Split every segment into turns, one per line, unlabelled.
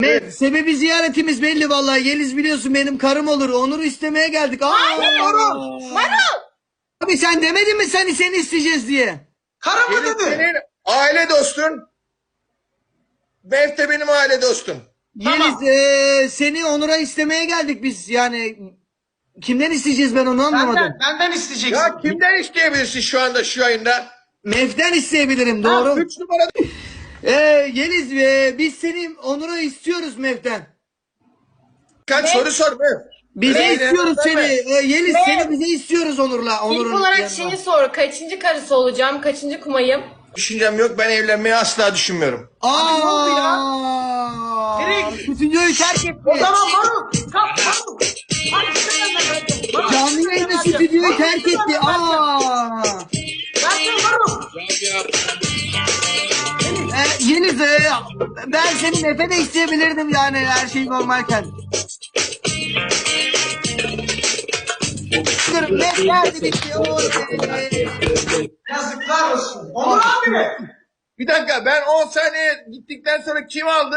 Sebebi ziyaretimiz belli vallahi. Yeliz biliyorsun benim karım olur. Onur'u istemeye geldik.
Marul!
Abi sen demedin mi seni isteyeceğiz diye?
Karı mı
Yeliz
dedi?
senin aile dostun. Bev de benim aile dostum.
Tamam.
Yeliz seni Onur'a istemeye geldik biz. Yani kimden isteyeceğiz ben onu anlamadım.
Benden isteyeceksin.
Ya kimden isteyebilirsin şu anda şu yayında?
Mev'den isteyebilirim doğru.
3 numara.
Yeliz biz seni Onur'a istiyoruz Mev'den.
Kaç soru sor Bev.
Bize
Öyle
istiyoruz
deme.
seni. Yeliz
Mev.
seni bize istiyoruz Onur'la.
İlk
Onur'un
olarak
yanına.
şimdi soru. Kaçıncı karısı olacağım? Kaçıncı kumayım?
Düşüncem yok, ben evlenmeyi asla düşünmüyorum.
Abi ne oldu ya? Nereye gidiyorsun?
Stüdyoyu terk etti.
O zaman Marul. Kalk Marul. Hadi sen de.
Canlı yayında stüdyoyu terk etti.
Versene Marul.
Yeliz ben seni Mef'e de isteyebilirdim yani her şey normalken. Mef geldi bitti.
Yazıklar olsun. Onur abi mi?
Bir dakika, ben 10 saniye gittikten sonra kim aldı?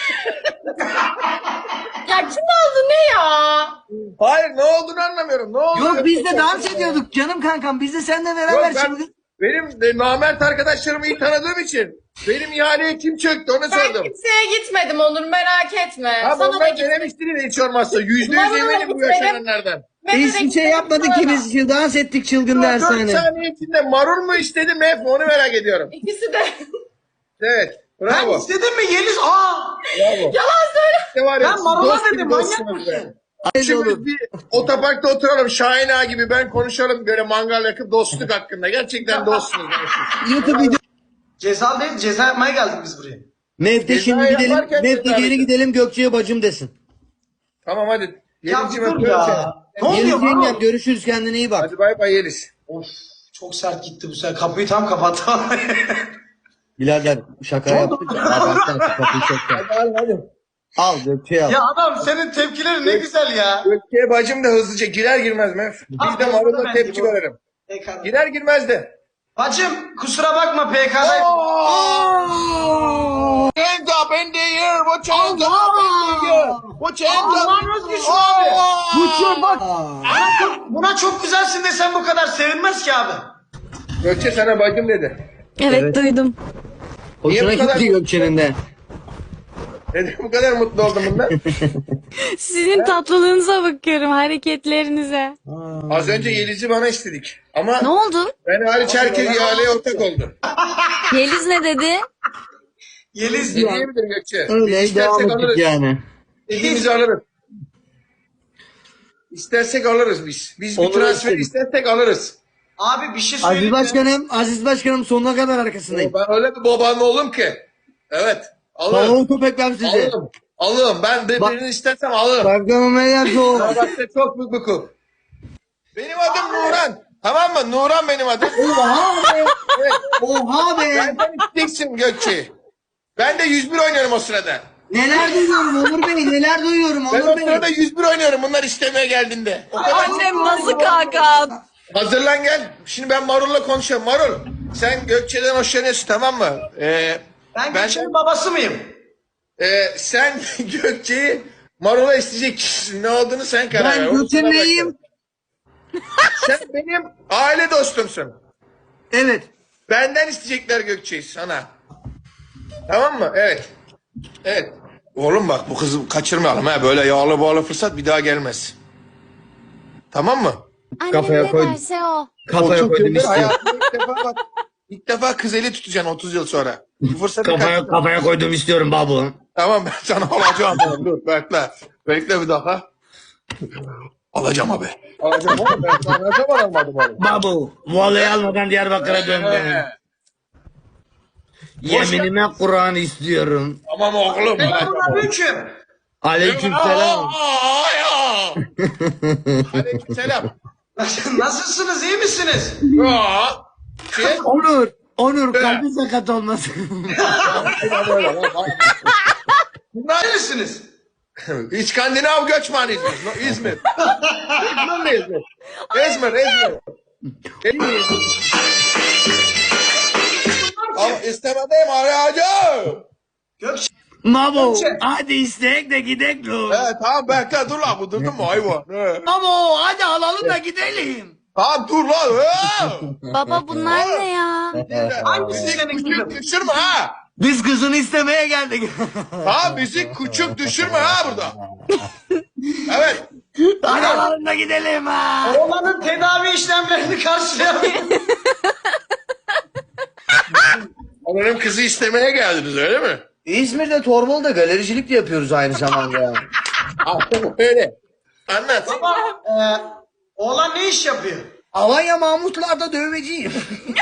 Ya kim aldı ne ya?
Hayır, ne olduğunu anlamıyorum. Ne oldu?
Yok biz de dans ediyorduk canım kankam. Biz de seninle beraber
Yok, ben,
şimdi.
benim de namert arkadaşlarımı iyi tanıdığım için benim ihaleye kim çöktü onu
Ben
sordum.
kimseye gitmedim Onur, merak etme.
Abi
Sana da
onlar
gitmedim.
denemiştiniz hiç olmazsa. %100
Vallahi
eminim bu
gitmedim.
yaşananlardan.
Biz bir şey yapmadık ki biz dans ettik çılgın
4
dershane.
saniye içinde marul mu istedi Mef mi onu merak ediyorum.
İkisi de.
Evet.
Ben
Bravo.
istedim mi Yeliz?
Bravo.
Yalan söyle.
İşte var ya,
Ben
siz
marula
dost gibi
dedim, manyak
dostsunuz
mısın?
be.
Öyle olur.
Şimdi bir otoparkta oturalım Şahin Ağa gibi, ben konuşalım böyle mangal yakıp dostluk hakkında. Gerçekten dostsunuz.
YouTube video.
Ceza değil, ceza yapmaya geldik biz buraya.
Mev'de şimdi
Ceza
gidelim.
yaparken
Mev'de
ceza
geri
verin.
gidelim Gökçe'ye bacım desin.
Tamam hadi.
Ya
Yeliz
dur ya. Ne oluyor
Yeliz yengem
Marul?
görüşürüz kendine iyi bak.
Hadi bay bay Yeliz.
Of, çok sert gitti bu sefer. Kapıyı tam kapattı.
Birader şaka yaptık. Abartma kapıyı çekti.
Hadi.
Al Gökçe'ye al.
Ya adam senin tepkilerin ne güzel ya.
Gökçe'ye bacım da hızlıca girer girmez Mef. Biz de
Abi,
marulda
ben
tepki
de bu-
verelim.
PK'da.
Girer girmez de.
Bacım kusura bakma PK'dayım.
Hands up in the air. Watch hands up in the air. Watch hands up.
Allah'ın özgürsün abi.
Uçuyor bak.
Buna çok güzelsin desem bu kadar sevinmez ki abi.
Gökçe sana bacım dedi.
Evet, duydum.
Hoşuna
Niye bu kadar-
gitti Gökçe'nin de.
Neden bu kadar mutlu oldum bundan?
Sizin tatlılığınıza bakıyorum, hareketlerinize.
Az önce Yeliz'i bana istedik. Ama
Ne oldu?
ben hariç herkes ihaleye ortak oldu.
Yeliz ne dedi?
Yeliz
Ne
ya.
diyebilir Gökçe?
Öyle
Biz
devam
istersek
ettik
alırız.
yani.
İstediğimizi alırız. İstersek alırız biz. Biz bir
Olur,
transfer
isterim.
istersek alırız.
Abi bir şey söyleyeyim
Aziz Başkanım sonuna kadar arkasındayım.
Ben öyle bir babanın oğlum ki. Evet. Alırım.
Tavuğu köpekler size.
Alırım. Alırım. Ben birini istersem alırım.
Başkanım eğer soğuk.
Fenerbahçe çok büyük bir kup. Benim adım Nuran. Tamam mı? Nuran benim adım.
Oha be.
Evet.
Oha be.
Benden isteyeceksin Gökçe. Ben de 101 oynuyorum o sırada.
Neler duyuyorum Onur Bey neler duyuyorum
Ben o
Onur Bey.
sırada 101 oynuyorum bunlar istemeye geldiğinde. O kadar
Annem nasıl kaka?
hazırlan gel. Şimdi ben Marul'la konuşuyorum. Marul sen Gökçe'den hoşlanıyorsun tamam mı?
Ben
Ben-
Gökçe'nin babası mıyım?
Sen Gökçe'yi Marul'a isteyecek kişisin. Ne olduğunu sen karar ver.
Ben
Onu
Gökçe
sana
neyim?
bırakıyorum. Sen benim aile dostumsun.
Evet.
Benden isteyecekler Gökçe'yi sana. Tamam mı? Evet. Evet. Oğlum bak bu kızı kaçırmayalım ha. Böyle yağlı bağlı fırsat bir daha gelmez. Tamam mı?
Kafaya koydum.
derse o.
Kafaya koydum istiyorum.
Hayatımda ilk defa bak. İlk defa kız eli tutacaksın 30 yıl sonra. Bu fırsatı kaçırma.
Kafaya koydum istiyorum babu.
Tamam ben sana alacağım. Dur bekle. Bekle bir daha. Alacağım abi. Alacağım oğlum. Ben sana ne zaman almadım oğlum.
Babu. Vallahi almadan Diyarbakır'a döndüm. Yeminime Kur'an istiyorum.
Tamam oğlum.
Selamünaleyküm.
Aleykümselam.
Aleykümselam.
Nasılsınız, iyi misiniz?
Ya. Şey.
Onur kalbi sakat olmasın.
Bunlar
Neresiniz?
İskandinav göçmeniyiz biz. İzmir. İzmir ne İzmir? İzmir, İzmir. Al istemedeyim arayacağım.
Gökçe.
Mabo
Gökçe.
hadi istek de gidek lo.
Tamam bekle dur lan bu durdun mu hayvan?
Mabo hadi alalım da gidelim.
Tamam dur lan.
Baba bunlar ne ya?
Hangisi
Müzik
senin
küçük
kızın?
düşürme ha.
Biz kızını istemeye geldik.
Tamam müzik küçük düşürme ha burada. Evet.
Hadi alalım da gidelim ha.
Oğlanın tedavi işlemlerini karşılayamıyorum.
Benim kızı istemeye geldiniz öyle mi?
İzmir'de Torbalı'da galericilik de yapıyoruz aynı zamanda.
Öyle. Anlat.
Baba, oğlan ne iş yapıyor?
Alanya Mahmutlar'da dövmeciyim.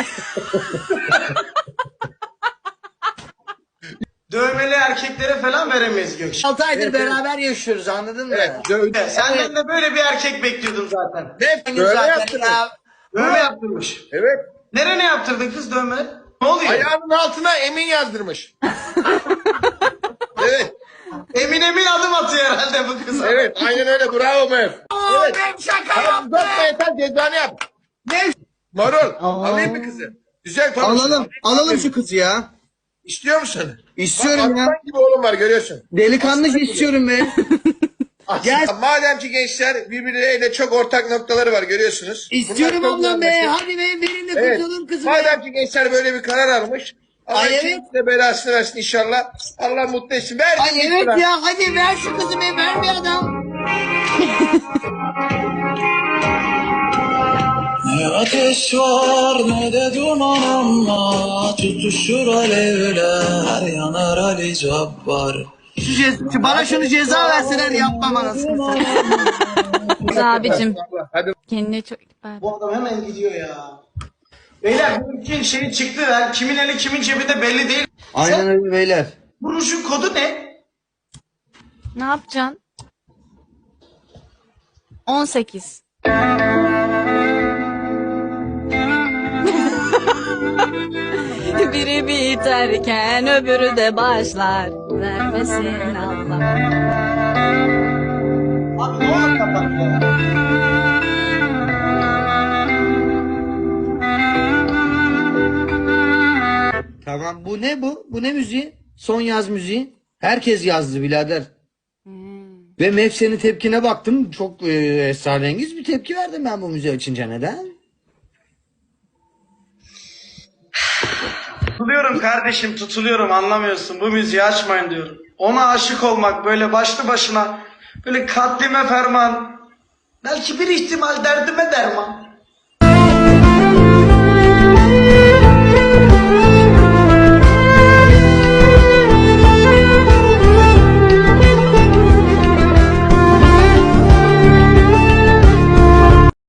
Dövmeli erkeklere falan veremeyiz Gökçe.
6 aydır beraber yaşıyoruz anladın mı?
Evet. Dövdü.
Senden de böyle bir erkek bekliyordum zaten.
Ne?
Böyle
Böyle
zaten
yaptınız.
ya.
Dövme yaptırmış.
Evet.
Nereye yaptırdın kız dövme? Ne oluyor?
Ayağının altına Emin yazdırmış. Evet.
Emin adım atıyor herhalde bu kıza.
Evet. Aynen öyle. Bravo Mev. Evet.
Ben şaka
Tamam
yaptım.
uzatma yeter cezanı yap.
Ne?
Marul. Alayım mı kızı? Güzel konuşun.
Alalım şu kızı ya.
İstiyor musun?
İstiyorum
Bak,
ya.
aslan gibi oğlum var görüyorsun.
Delikanlıca istiyorum ben. Gel.
Madem ki gençler birbirleriyle çok ortak noktaları var görüyorsunuz.
İstiyorum
Bunlar çok
ablam be.
anlaşıyor.
Hadi be verin de
Evet.
kurtulalım kızı be.
Madem ki gençler böyle bir karar almış. Allah
Ay, evet.
ikiniz de belasını versin inşallah. Allah mutlu etsin. Ver
Ay
gitsin
evet
lan.
ya hadi ver şu kızı be ver bir adam.
Ne ateş var ne de duman ama tutuşur alevler yanar Ali Cabbar.
Bana şunu ceza verseler yapmam anasını satayım.
Abicim
Hadi.
kendine çok dikkat.
Bu adam hemen gidiyor ya. Beyler benimki şey çıktı. Yani kimin eli kimin cebinde belli değil.
Aynen öyle beyler.
Bunun şu kodu ne?
Ne yapacaksın? 18. Biri biterken öbürü de başlar. Vermesin Allah.
Abi ne olur kapat ya.
Tamam bu ne bu? Bu ne müziği? Son yaz müziği. Herkes yazdı birader. Ve Mevse'nin tepkine baktım. Çok esrarengiz bir tepki verdim ben bu müziği açınca. Neden?
Tutuluyorum kardeşim tutuluyorum anlamıyorsun. Bu müziği açmayın diyorum. Ona aşık olmak böyle başlı başına böyle katlime ferman. Belki bir ihtimal derdime derman.